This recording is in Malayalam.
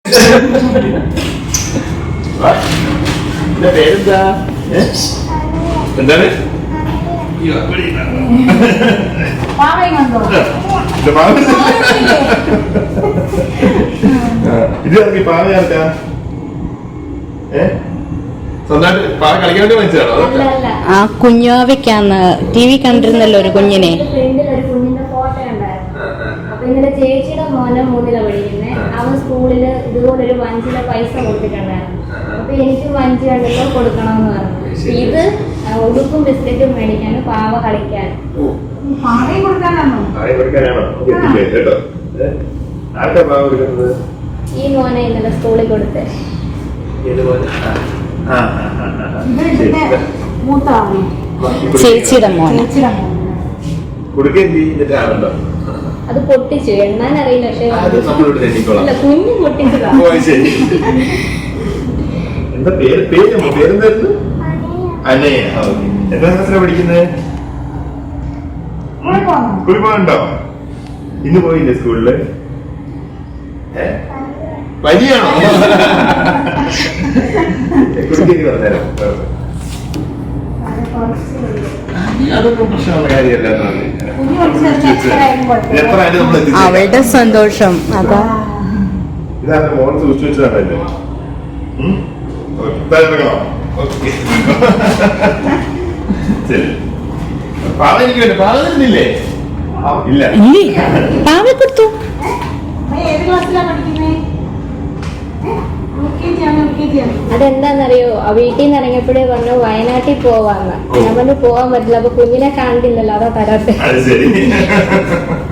പേരെന്താ? എന്താണ്? ഇത് ഇറങ്ങി പാവ ചേർക്കാ. സ്വന്തമായിട്ട് പാവ കളിക്കാൻ വേണ്ടി വാങ്ങിച്ചതാണോ? ആ കുഞ്ഞാവയ്ക്കാന്ന് TV കണ്ടിരുന്നല്ലോ ഒരു കുഞ്ഞിനെ. ഇന്നലെ ചേച്ചിയുടെ മോനെ 3ാ പഠിക്കുന്നത്. അവൻ സ്കൂളില് ഇതുപോലൊരു വഞ്ചിയുടെ പൈസ കൊടുത്തിട്ടുണ്ടായിരുന്നു. അപ്പൊ എനിക്ക് വഞ്ചി കണ്ടല്ലോ കൊടുക്കണമെന്ന് പറഞ്ഞു. ഇത് ഉടുപ്പും ബിസ്ക്കറ്റും മേടിക്കാനും പാവ കളിക്കാനും. ഈ മോനെ ഇന്നലെ സ്കൂളിൽ കൊടുത്തേ. ചേച്ചിയുടെ മോനെ. അത് പൊട്ടിച്ചു, എണ്ണാൻ അറിയില്ല. പക്ഷെ കുഞ്ഞു പൊട്ടിച്ചതാ. എന്താ പേരെന്തായിരുന്നു? അനയ. എന്താ ക്ലാസ്സിലാ പഠിക്കുന്നത്? കുളിപ്പോണ്ടോ? ഇന്ന് പോയില്ലേ സ്കൂളില്? പനിയാണോ? കുളിക്കേരി പറഞ്ഞേരം. അതൊന്നും പ്രശ്നമുള്ള കാര്യമല്ല. അവളുടെ സന്തോഷം അതാ. ഇതാണ് മോൻ സൂക്ഷിച്ചു വെച്ചതാണല്ലേ. ശരി. പാവ എനിക്ക് വേണ്ട. പാവ തരുന്നില്ലേ? ഇല്ല. പാവ കൊടുത്തു. അതെന്താന്നറിയോ, വീട്ടിൽ നിന്ന് ഇറങ്ങിയപ്പോഴേ പറഞ്ഞു വയനാട്ടിൽ പോവാന്ന്. ഞാൻ പറഞ്ഞു പോവാൻ പറ്റില്ല, അപ്പൊ കുഞ്ഞിനെ കണ്ടില്ലല്ലോ, അതാ തരാത്തെ.